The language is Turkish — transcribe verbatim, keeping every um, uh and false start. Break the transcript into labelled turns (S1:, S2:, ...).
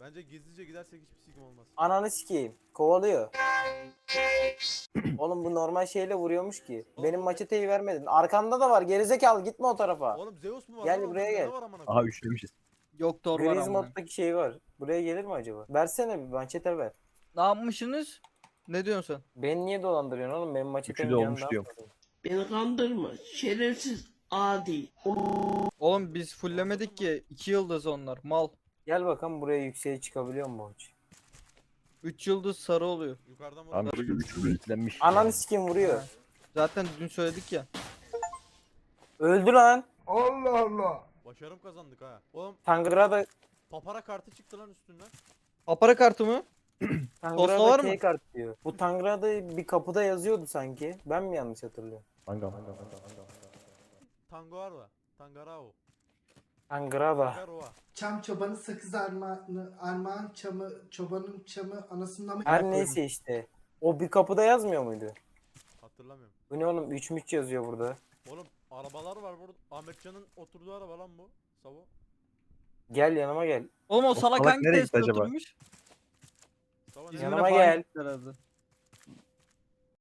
S1: Bence gizlice gidersek hiçbir sikim olmaz.
S2: Ananı sikeyim. Kovalıyor. Oğlum bu normal şeyle vuruyormuş ki.
S1: Oğlum
S2: Benim
S1: bu-
S2: maçeteyi vermedin. Arkanda da var. Gerizekalı gitme o tarafa.
S1: Oğlum Zeus mu var
S2: Gel
S1: lan?
S2: buraya
S1: Orada
S2: gel.
S1: ne var amına
S3: Aha
S1: koyayım?
S3: üçlemişiz.
S4: Yok Thor var
S2: Griz
S4: amına.
S2: moddaki şey var. Buraya gelir mi acaba? Versene bir maçete ver.
S4: Ne yapmışsınız? Ne diyorsun sen?
S2: Beni niye dolandırıyorsun oğlum? Benim maçetemin
S3: Üçü de
S2: canı
S3: olmuş
S2: daha
S3: diyorum.
S2: fazla.
S5: Beni kandırma. Şerefsiz adi.
S4: Oğlum biz fulllemedik ki. iki yıldız onlar. Mal.
S2: Gel bakalım buraya yükseğe çıkabiliyor mu maç?
S4: üç yıldız sarı oluyor.
S1: Yukarıdan mı?
S3: Abi üçü itlenmiş.
S2: Ananı sikeyim vuruyor.
S4: Zaten dün söyledik ya.
S2: Öldü lan.
S1: Başarım kazandık ha. Oğlum
S2: Tangra'da
S1: papara kartı çıktı lan üstünden.
S4: Apara kartı mı? Posta var
S2: Tangra'da
S4: mı?
S2: K kart diyor. Bu Tangra'da bir kapıda yazıyordu sanki. Ben mi yanlış hatırlıyorum?
S3: Manga manga manga manga.
S1: Tango var mı? Tangarao.
S2: Tangra'da.
S1: Tangaroa.
S6: Çam çobanı sakız armağanı, armağan çamı, çobanın çamı anasından mı?
S2: Her neyse işte. O bir kapıda yazmıyor muydu?
S1: Hatırlamıyorum.
S2: Bu ne oğlum? üç müç yazıyor burada.
S1: Oğlum arabalar var burada. Ahmetcan'ın oturduğu araba lan bu. Savo.
S2: Gel yanıma gel.
S4: Oğlum o salak
S3: salak
S4: hangi
S3: nereye gitti
S4: testte
S3: acaba?
S4: oturmuş?
S1: Savo ne?
S4: İzmir'e
S2: Yanıma
S4: falan
S2: gel.
S4: gitti herhalde.